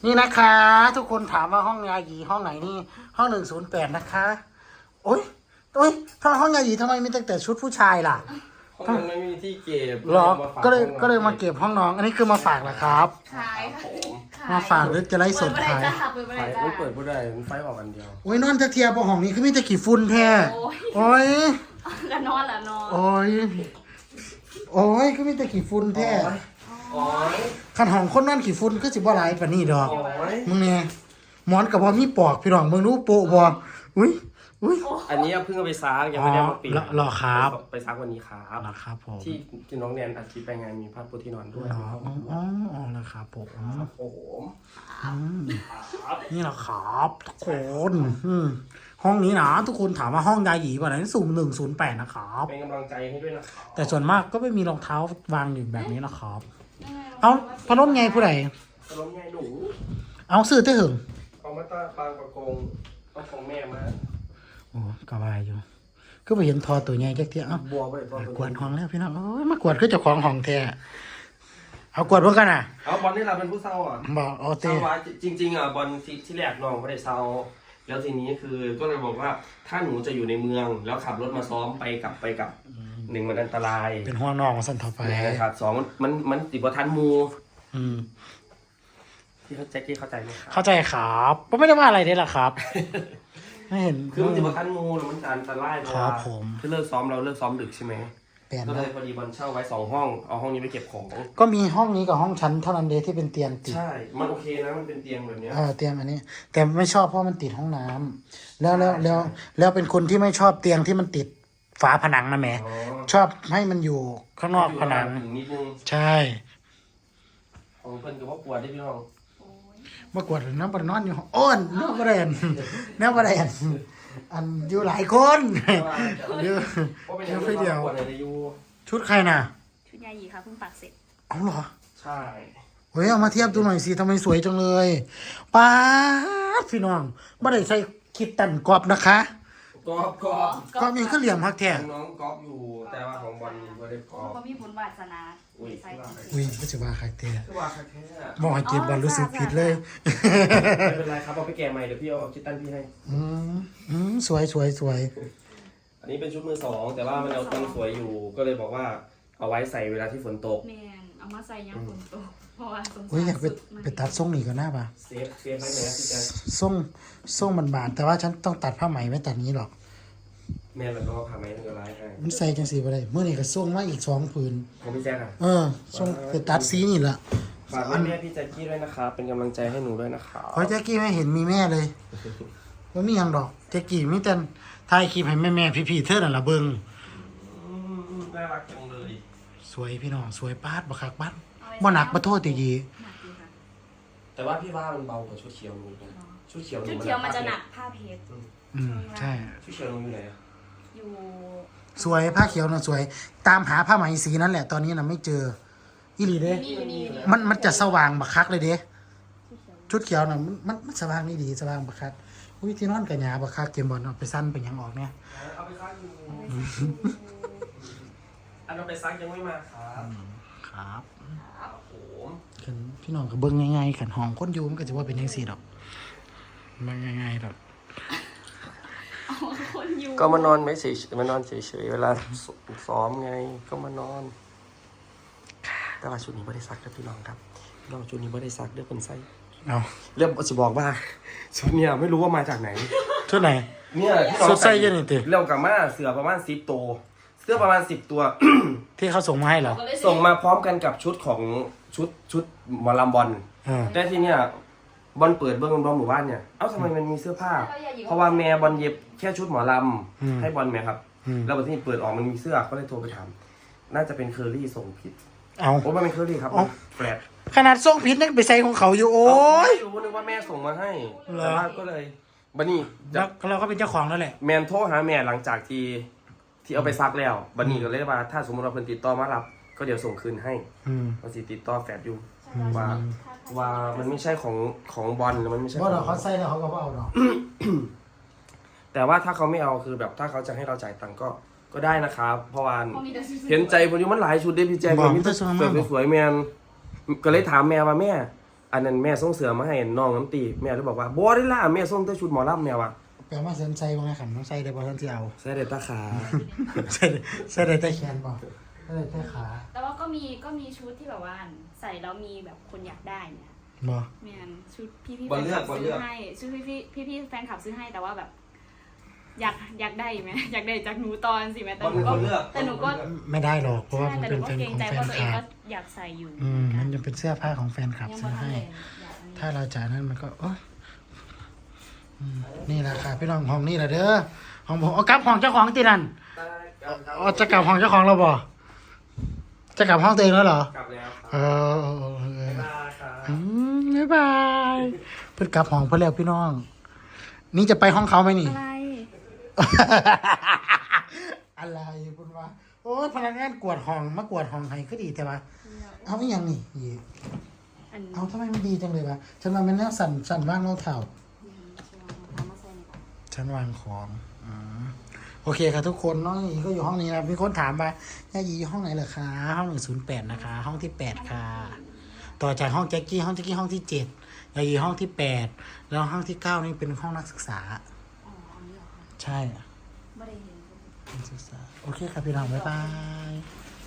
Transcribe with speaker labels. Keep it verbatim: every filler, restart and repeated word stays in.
Speaker 1: นี่นะคะ ทุกคนถามว่าห้องยาหยีห้องไหนนี่ห้องหนึ่งศูนย์แปดนะคะโอ๊ยโอ๊ยถ้าห้องยาหยีทำไมมีตั้งแต่ชุดผู้ชายล่ะ
Speaker 2: ห้องนั้นไม่มีที่เก็บ
Speaker 1: หรอก็เลยก็เลยมาเก็บห้องน้อง อันนี้คือมาฝากเหรอครับ
Speaker 3: ขายค่ะ
Speaker 1: มาฝากหรือจะไล่สด
Speaker 3: เปิด
Speaker 1: ขาย
Speaker 3: เมื่อไหร่จ้าเปิดเมื่อไห
Speaker 2: ไฟ
Speaker 3: ร่จ้า
Speaker 2: ไม่เปิดผู้ใดมันไฟออกอันเดียว
Speaker 1: โอ้ยนอนจะเทียบห้องนี้คือมีแต่ขี้ฝุ่นแท้
Speaker 3: โอ้ย
Speaker 1: โอ้ย
Speaker 3: ละนอนละนอน
Speaker 1: โอ้ยโอ้ยคือมีแต่ขี้ฝุ่นแท้
Speaker 2: โอ้ย
Speaker 1: ขันห้องคนนอนขี้ฝุ่นก็สิบ่หลายปานนี้ดอก
Speaker 2: โอ้ย
Speaker 1: มึงเนี่ยหมอนกับบ่มีปอกพี่น้องมึงรู้โปะบ่อุ้ยอุ้ย
Speaker 2: อันนี้เพิ่งเอาไปซักยังไม่ได้มาปิด
Speaker 1: อ๋อเหรอครับ
Speaker 2: ไปซักวันนี้ครับ
Speaker 1: เหรอครับผม
Speaker 2: ที่ที่น้องแนนอัดคลิปไปงานมีผ้าปูที่นอนด้วย
Speaker 1: อ๋ออ๋ออ๋ออ๋อแล้วครับผม
Speaker 2: โอ้โห
Speaker 1: อืมนี่แหละครับทุกคนอืมห้องนี้นะทุกคนถามว่าห้องยาหยีป่ะนั้นสุ่มหนึ่งศูนย์แปดนะครับ
Speaker 2: เป็นกำลังใจให้ด้วยนะครับ
Speaker 1: แต่ส่วนมากก็ไม่มีรองเท้าวางอยู่แบบนี้นะครับ เอาพัดลมไงผู้ใด
Speaker 2: ขนมยายหนู
Speaker 1: เอาซื้อเต้หึง
Speaker 2: เอามาตาปางประกงเอาของแม่มา
Speaker 1: โอ้กระบายอยู่ก็ไปเห็นทอตัวใหญ่แค่เที่ยเอ้า
Speaker 2: บัวไปบัว
Speaker 1: กวาดห้องแล้วพี่น้องโอ้ยมากวาดคือเจ้าของห้องแท้เอากวาดเพื่อกันอ่ะ
Speaker 2: เอาบอลนี่เราเป็นผู้เศร้าอ่ะ
Speaker 1: บอกเอา
Speaker 2: เศ
Speaker 1: เต้
Speaker 2: ร้าไว้จริงๆอ่ะบอลที่ที่แรกน้องไม่ได้เศร้าแล้วทีนี้คือก็เลยบอกว่าถ้าหนูจะอยู่ในเมือง แล้วขับรถมาซ้อมไปกลับไปกลับหนึ่งมันอันตราย
Speaker 1: เป็นห้องนอกของสันทอไป
Speaker 2: นะครับสองมันมันติดบทันมู
Speaker 1: อืม
Speaker 2: ที่เขาแจ็คกี้เข้าใจไหมครับ
Speaker 1: เข้าใจครับก็ไม่ได้ว่าอะไรนี่แหละครับ ไม่เห็น
Speaker 2: คือมันติดบทันมูแล้วมันอันตรายเพราะ
Speaker 1: ครั
Speaker 2: ว่า
Speaker 1: บผม
Speaker 2: คือเลิกซ้อมเราเลิกซ้อมดึกใช่ไหม
Speaker 1: เปลี่ยน
Speaker 2: ก็เล
Speaker 1: นะ
Speaker 2: ยพอดีบอลเช่าไว้สองห้องเอาห้องนี้ไปเก็บของ
Speaker 1: ก็มีห้องนี้กับห้องชั้นเท่านั้นเดที่เป็นเตียงติด
Speaker 2: ใช่ มันโอเคนะมันเป็นเตียงแบบเนี้ย
Speaker 1: เออเตียงอันนี้ แต่ไม่ชอบเพราะมันติดห้องน้ำแล้วแล้วแล้วแล้วเป็นคนที่ไม่ชอบเตียงที่มันติดฝาผนังนะแหม
Speaker 2: อ๋อ
Speaker 1: ชอบให้มันอยู่ข้างนอกผนัง
Speaker 2: อยู่นิดนึง
Speaker 1: ใช่
Speaker 2: ของเพิ่นกับว่าปวดได้พี่น้อง
Speaker 1: เมื่อกวดน้ำบรนอนอยู่ห้องอ้อนน้ำบรนน้ำบรนอันอยู่หลายคนเยอะ
Speaker 2: เพราะเป็น
Speaker 1: เยอะไปเดียว
Speaker 2: ปวดอะไรอยู่
Speaker 1: ชุดใครน่ะ
Speaker 3: ชุดยาหยีค่ะเพิ่งปักเสร็จ
Speaker 1: เอาเหรอ
Speaker 2: ใช่
Speaker 1: เฮ้ยเอามาเทียบดูหน่อยสิทำไมสวยจังเลยป้าดพี่น้องไม่ได้ใส่คิดตันกรอบนะคะ
Speaker 2: กอบกอบ
Speaker 1: กรอบเองก็เหลี่ยมฮักแท้
Speaker 2: น้องกอบอยู่ แต่ว่าของบอลก็ได้กอบ
Speaker 3: ก็มีบุญวาสนา
Speaker 2: อุ้ย
Speaker 3: ใส่
Speaker 1: อุ้ยก็จะว่าฮักแท้
Speaker 2: คือว่าแท้
Speaker 1: บอกให้เก็บบอลรู้สึกผิดเลย
Speaker 2: ไม่เป็นไรครับเอาไปแกะใหม่เดี๋ยวพี่เอาคิดตันพี่ให้
Speaker 1: อืมอืมสวยสวยสวย
Speaker 2: อันนี้เป็นชุดมือสองแต่ว่ามันเอาตังสวยอยู่ ก็เลยบอกว่าเอาไว้ใส่เวลาที่ฝนตก
Speaker 3: แมนเอามาใส่ยามฝนตกเพราะว่าสงสาร
Speaker 1: อุ้ยอยากไป
Speaker 3: สุด
Speaker 1: ไปตัดทรงนี่ก่อนหน้าป่ะ
Speaker 2: เซฟเซฟไว้ไหนนะพี่แจ๊ค
Speaker 1: ทรงทรงมันบานแต่ว่าฉันต้องตัดผ้าไหมไม่ตัดนี้หรอก
Speaker 2: แม่มันก็พาไม้ตั้งแต่ร้ายให้
Speaker 1: มันใส่จังสีไปเลยเมื่อนี่ก็ทรงมาอีกสองผืน
Speaker 2: ของพี่แจ๊คอะ
Speaker 1: เออทรงไปตัดสีนี่แหละ
Speaker 2: ฝากแม่พี่แจ๊คกี้ด้วยนะครับเป็นกำลังใจให้หนูด้วยนะครับ
Speaker 1: เพราะแจ๊กกี้ไม่เห็นมีแม่เลยว่ามีหยังดอกแจ๊กกี้มีแต่ถ่ายคลิปให้แม่แม่พี่ๆเธอนั่นละเบิง
Speaker 2: อืมน่ารักจังเลย
Speaker 1: สวยพี่น้องสวยปาดบักคักบัดบ่หนักบ่โทษตียี
Speaker 3: หนักอยู่ค่ะ
Speaker 2: แต่ว่าพี่ว่ามันเบากว่าชุดเขียวหนูอีกนะชุดเขียวหนู
Speaker 3: ชุดเขียวมันจะหนักผ้าเพชร
Speaker 1: อืมใช่
Speaker 2: ชุดเขียวหนูอยู่ไหนอะ
Speaker 3: อยู่
Speaker 1: สวยผ้าเขียวน่ะสวย ตามหาผ้าไหมสีนั้นแหละตอนนี้น่ะไม่เจออีหลีเด้
Speaker 3: นี่นี่นี่
Speaker 1: มันมันจะสว่างบักคักเลยเด้ชุดเขียวน่ะมันมันมันสว่างนี่ดีสว่างบักคักอุ้ยที่นอนกับหยาบักคักเกมบอลเอาไปสั้นเป็นหยังออกเนี่ย
Speaker 2: เอาไปซักอยู่อันเอาไปซักยังไม่มาครับ
Speaker 1: ครับ
Speaker 2: ครับผม
Speaker 1: ขันพี่น้องก็เบิ่งง่ายๆขันห้องคนอยู่มันก็จะว่าเป็นจังซี่ดอกมันง่ายๆดอก
Speaker 3: เอาคนอยู่
Speaker 2: ก็มานอนไม่เฉยมานอนเฉยๆเวลาซ้อมไงก็มานอน แต่ว่าชุดนี้ไม่ได้ซักนะพี่น้องครับพี่น้องชุดนี้ไม่ได้ซักเรื่องคนไส้
Speaker 1: เอา
Speaker 2: เรื่องจะบอกว่าชุดเนี่ยไม่รู้ว่ามาจากไหน
Speaker 1: ชุดไหน
Speaker 2: เนี่ยที่น้อง
Speaker 1: สุดไส้เย็นนี่ติ
Speaker 2: เรื่องกับมาเสือประมาณสิบตัวเสื้อประมาณสิบตัว
Speaker 1: ที่เขาส่งมาให้เหรอ
Speaker 3: ก็เลย
Speaker 2: ส่งมาพร้อมกันกับชุดของชุดชุดหมอลำบอล
Speaker 1: เออ
Speaker 2: แต่ที่เนี่ยบอลเปิดเบื้องบอลหมู่บ้านเนี่ยเอ้าทำไมมันมีเสื้อผ้า เพราะว่าแม่บอลเย็บแค่ชุดหมอลำให้บอลแม่ครับ
Speaker 1: อืม
Speaker 2: แล้ววันที่เปิดออกมันมีเสื้อก็เลยโทรไปถามน่าจะเป็นเคอรี่ส่งผิด
Speaker 1: เอา
Speaker 2: โอ้ไม่เป็นเคอรี่ครับ
Speaker 1: เอ้า
Speaker 2: แฟลต
Speaker 1: ขนาดส่งผิดนั่นไปใส่ของเขาอยู่โอ้ย
Speaker 2: ไม่รู้นึกว่าแม่ส่งมาให้
Speaker 1: เหรอ
Speaker 2: แต่ว่าก็เลยบันนี้
Speaker 1: แล้วเราก็เป็นเจ้าของแล้วแหละ
Speaker 2: แมนโทรหาแม่หลังจากที่ที่เอาไปซักแล้วบันนี้ก็เลยว่าถ้าสมมติว่าเพิ่นติดต่อมารับ ก็เดี๋ยวส่งคืนให้
Speaker 1: อืม
Speaker 2: เราสิติดต่อแฟลตอยู่ว่าว่ามันไม่ใช่ของของบอลมันไม่ใช่
Speaker 1: เพราะ
Speaker 2: ข
Speaker 1: เรา
Speaker 2: อง
Speaker 1: เขาใส่แล้วเขาก็บ่เอาดอก
Speaker 2: แต่ว่าถ้าเขาไม่เอาคือแบบถ้าเขาจะให้เราจ่ายตังค์ก็ก็ได้นะครับเพราะว่า
Speaker 3: เขามีแต่ชุด
Speaker 2: เห็นใจผมอยู่มันหลายชุดเด้พี่แจ๊ค
Speaker 1: บอก
Speaker 2: มี
Speaker 1: มันจะสวยมาก
Speaker 2: แต่สวยๆแมนก็เลยถามแม่ว่าแม่อันนั้นแม่ส่งเสือมาให้น้องน้ำตีแม่เลยบอกว่าบ่ได้ล่ะแม่ส่งแต่ชุดหมอลำแม่ว่ะ
Speaker 1: แปลว่าเซนไซว่าไงขันน้องไซได้บ่ท่านที่เอา
Speaker 2: ใส่ได้ตาขา
Speaker 1: ใส่ใส่ได้แต่แขนบ่ใส่ได้แต่ขา
Speaker 3: แต่ว่าก็มีก็มีชุดที่แบบว่าใส่แล้วมีแบบคนอยากได้เนี่ย
Speaker 1: บ่
Speaker 3: แมนชุดพี่พี่
Speaker 2: บอ
Speaker 3: แฟ
Speaker 2: ล
Speaker 3: น
Speaker 2: เลื
Speaker 3: ค
Speaker 2: อ
Speaker 3: ลั
Speaker 2: ก
Speaker 3: บบ
Speaker 2: อล
Speaker 3: ซื้
Speaker 2: เลื
Speaker 3: อ
Speaker 2: อก
Speaker 3: ให้ชุดพี่พี่พี่พี่แฟนคลับซื้อให้แต่ว่าแบบ อยากอยากได้ไหมอยากได้จากหนูตอนสิแม่แต่
Speaker 2: บอล
Speaker 3: หนู
Speaker 2: เป็น
Speaker 3: ก็
Speaker 2: คนเลือก
Speaker 3: แต่หนูก็
Speaker 1: ไม่ได้หรอกเพราะว่า
Speaker 3: ใช่
Speaker 1: มัน
Speaker 3: แต่ห
Speaker 1: เป็
Speaker 3: นู
Speaker 1: น
Speaker 3: ก็
Speaker 1: แฟน
Speaker 3: เกรง
Speaker 1: ของ
Speaker 3: ใจ
Speaker 1: แฟ
Speaker 3: เพราะตัวเอง
Speaker 1: นคลั
Speaker 3: ก็
Speaker 1: บ
Speaker 3: อยากใส่อยู่
Speaker 1: อืมมันจะเป็นเสื้อผ้าของแฟนคลับ
Speaker 3: ยัง
Speaker 1: ซื้
Speaker 3: บ่
Speaker 1: อ
Speaker 3: ทัน
Speaker 1: ให้
Speaker 3: เลยอยาก
Speaker 1: ถ้าเราจ่ายนั้นมันก็โอ๊ยอืมนี่แหละค่ะพี่น้องห้องนี่แหละเด้อห้องผมเอากลับห้องเจ้าของตีนั่นเอาจะกลับห้องเจ้าของเราบ่จะกลับห้องตัวเองแล้วเหรอ
Speaker 2: กลับแล้วค
Speaker 1: เอ
Speaker 2: รับ
Speaker 1: อเออเออเออ
Speaker 2: บ๊ายบายครับ
Speaker 1: อืมบ๊ายบายเพิ่นกลับห้องเพิ่นแล้วพี่น้อง นี่จะไปห้องเขาไหมนี่
Speaker 3: อะไร
Speaker 1: อะไรคุณวะโอ้ยพนักงานกวดห้องมากวดห้องให้ก็ดีแต่ว่าเอาอีหยังนี่อี
Speaker 3: อัน
Speaker 1: เอาทำไมมันดีจังเลยวะฉันว่ามันแนวสั่นสั่นว่างเราเถ่า
Speaker 3: เอามาใส่ในกระเป๋า
Speaker 1: ฉันวางของอืมโอเคค่ะทุกคนน้องหยีก็อยู่ห้องนี้นะมีคนถามว่าย่าหยีอยู่ห้องไหนเหรอคะห้องหนึ่งศูนย์แปดนะคะ ห้องที่แปดค่ะ ต่อจากห้องแจ็คกี้ห้องแจ็คกี้ห้องที่เจ็ดย่าหยีห้องที่แปดแล้วห้องที่เก้านี่เป็นห้องนักศึกษา
Speaker 3: อ๋ออันนี้เหรอคะ
Speaker 1: ใช่
Speaker 3: ไม่ได้เห็น
Speaker 1: นักศึกษาโอเคครับพี่น้องบ๊ายบาย